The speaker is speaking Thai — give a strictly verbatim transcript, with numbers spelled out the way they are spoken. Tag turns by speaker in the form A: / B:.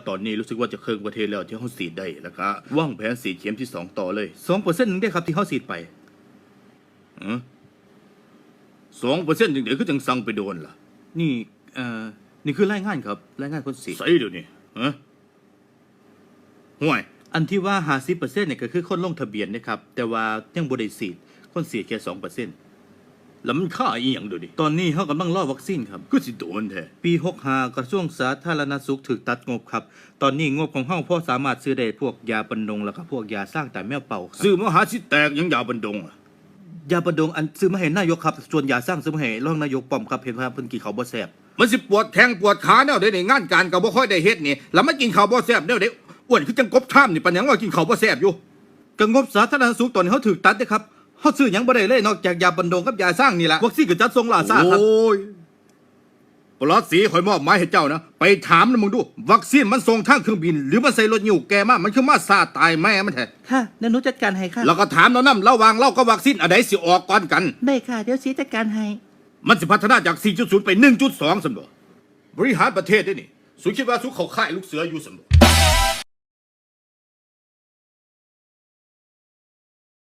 A: ตอนนี้รู้สึกว่าจะเครื่องประเทศแล้วที่เขาฉีดได้แล้วก็วางแผนฉีดเข็มที่สองต่อเลยสองเปอร์เซ็นต์หนึ่งได้ครับที่เขาฉีดไปอือสองเปอร์เซ็นต์เดี๋ยวก็จังสั่งไปโดนล่ะนี่เอ่อนี่คือรายงานครับรายงานคนฉีดใส่เดี๋ยวนี้ฮะห่วยอันที่ว่าห้าสิบเปอร์เซ็นต์เนี่ยก็คือคนลงทะเบียนนะครับแต่ว่ายังบ่ได้ฉีดคนฉีดแค่สองเปอร์เซ็นต์แล้วมันค่าอีหยังเดี๋ยวนี้ตอนนี้เขากำลังรอวัคซีนครับก็สิโดนแท้ปีหกสิบห้ากระทรวงสาธารณสุขถูกตัดงบครับตอนนี้งบของเฮาพอสามารถซื้อได้พวกยาบรรดงแล้วก็พวกยาสร้างแต่แมวเป่าครับซื้อมาหาสิแตกยังยาบรรดงอะยาบรรดงอันซื้อมาให้นายกครับส่วนยาสร้างซื้อมาให้รองนายกป้อมครับเห็นว่าเพิ่นกินข้าวบ่แซ่บมันสิปวดแทงปวดขาแนวใดในงานการก็บ่ค่อยได้เฮ็ดนี่แล้วมากินข้าวบ่แซ่บแนวใดอ้วนคือจังกบท่ามนี่ปานหยังว่ากินข้าวบ่แซ่บอยู่ก็งบสาธารณสุขตอนนี้เฮาถูกตัดเด้ครับเฮาซื้อหยังบ่ได้เลยนอกจากยาบรรดงกับยาสร้างนี่ล่ะวัคซีนก็จัดส่งล่าซ่าครับโอ้ยปลอดสีข่อยมอบหมายให้เจ้านะไปถามนะมึงดูวัคซีนมันส่งทางเครื่องบินหรือมันใส่รถยิ้วแกมามันคือมาซาตายแม่มันแท้
B: ค่ะเดี๋ยวหนูจัดการให้ค่ะ
A: แล้วก็ถามเรานำระหว่างเรากับวัคซีนอันใดสิออกก่อนกัน
B: ได้ค่ะเดี๋ยวสีจัดการให้
A: มันสิพัฒนาจาก สี่จุดศูนย์ ไป หนึ่งจุดสอง ซั่นบ่บริหารประเทศได้นี่สุคิดว่าสุเขาค่ายลูกเสืออยู่ซั่นบ่